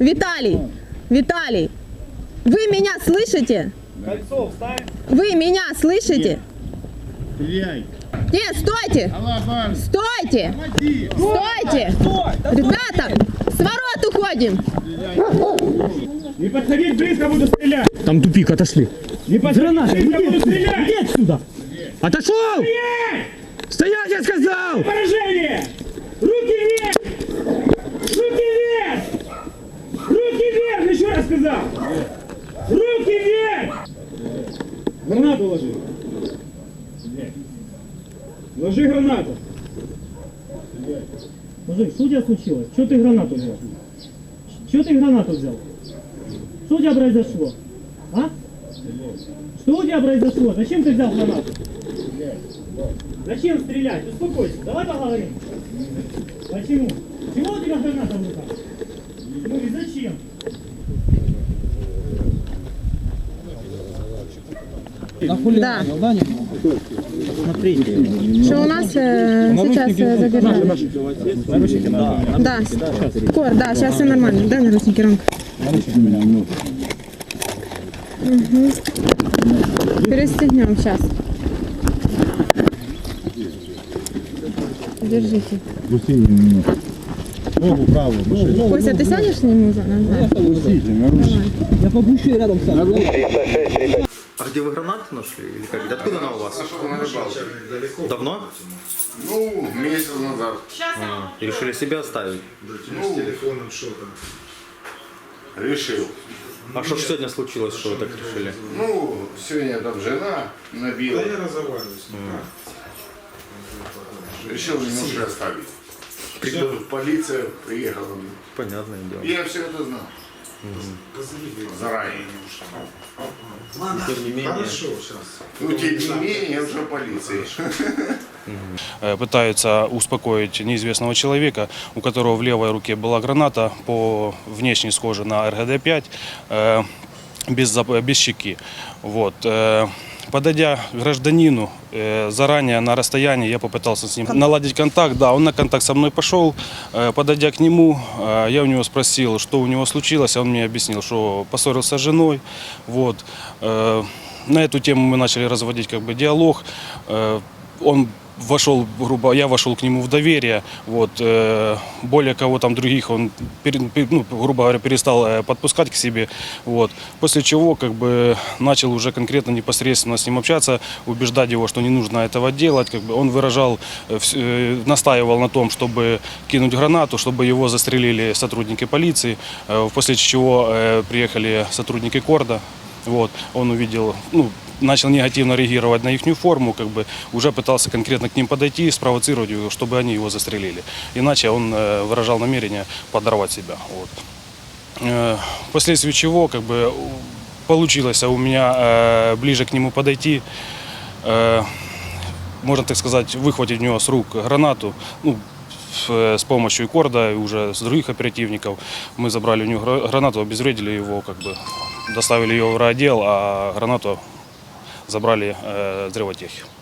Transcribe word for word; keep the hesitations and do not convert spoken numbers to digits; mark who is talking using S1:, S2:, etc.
S1: Виталий, Виталий, вы меня слышите?
S2: Кольцо вставь.
S1: Вы меня слышите?
S3: Стреляй.
S1: Нет, стойте!
S3: Алабан.
S1: Стойте!
S3: Помоги.
S1: Стойте!
S2: Стой! Да
S1: Ребята, с ворот уходим!
S2: не подходить близко, буду стрелять.
S4: Там тупик, отошли.
S2: Не подходить близко, буду стрелять.
S4: Иди отсюда. Отошел!
S2: Стоять!
S4: Стоять, я сказал!
S2: Поражение! Руки вверх! Руки вверх! Руки вверх! Еще раз сказал! Руки вверх! Гранату ложи. Ложи гранату.
S4: Мужик, что у тебя случилось? Что ты гранату взял? Что ты гранату взял? Что у тебя произошло? А? Что у тебя произошло? Зачем ты взял гранату? Зачем стрелять? Успокойся. Давай поговорим. Почему? Чего у тебя граната в руках? Ну и зачем?
S1: Да. Что у нас э, сейчас э, задержали? Да. Кор, да, сейчас все нормально. Дай наручники, Ромка. Угу. Перестегнем сейчас. Держите.
S3: Ногу правую.
S1: Костя, ты сядешь с ним назад?
S4: Я побущу и рядом сам.
S5: А где вы гранаты нашли? Или как? Откуда она у вас?
S6: На рыбалке.
S5: Давно?
S6: Ну, месяц назад.
S5: А, и решили себя оставить?
S6: Ну, решил.
S5: А что ж сегодня случилось, что вы так решили?
S6: Ну, сегодня там жена набила. Решил немножко оставить. Все, полиция приехала.
S5: Понятное дело.
S6: Я все это знал. Заранее.
S5: Тем не менее.
S6: Ну, тем не менее, уже полиция.
S7: Пытаются успокоить неизвестного человека, у которого в левой руке была граната, по внешне схожа на эр гэ дэ пять, э, без, зап- без щеки. Вот. э, Подойдя к гражданину, э, заранее на расстоянии я попытался с ним наладить контакт. Да, он на контакт со мной пошел. Э, Подойдя к нему, э, я у него спросил, что у него случилось. Он мне объяснил, что поссорился с женой. Вот. Э, На эту тему мы начали разводить как бы диалог. Э, Он вошел, грубо, я вошел к нему в доверие. Вот, э, более кого там других он, пере- пер- ну, грубо говоря, перестал э, подпускать к себе. Вот. После чего как бы начал уже конкретно непосредственно с ним общаться, убеждать его, что не нужно этого делать. Как бы он выражал, э, вс- э, настаивал на том, чтобы кинуть гранату, чтобы его застрелили сотрудники полиции. Э, после чего э, приехали сотрудники Корда. Вот. Он увидел, ну, начал негативно реагировать на их форму, как бы уже пытался конкретно к ним подойти, спровоцировать его, чтобы они его застрелили. Иначе он э, выражал намерение подорвать себя. Вот. Э, впоследствии чего как бы получилось у меня э, ближе к нему подойти, э, можно так сказать, выхватить у него с рук гранату. Ну, с помощью Корда и уже с других оперативников мы забрали у него гранату, обезвредили его, как бы доставили ее в райотдел, а гранату забрали э, взрывотехи.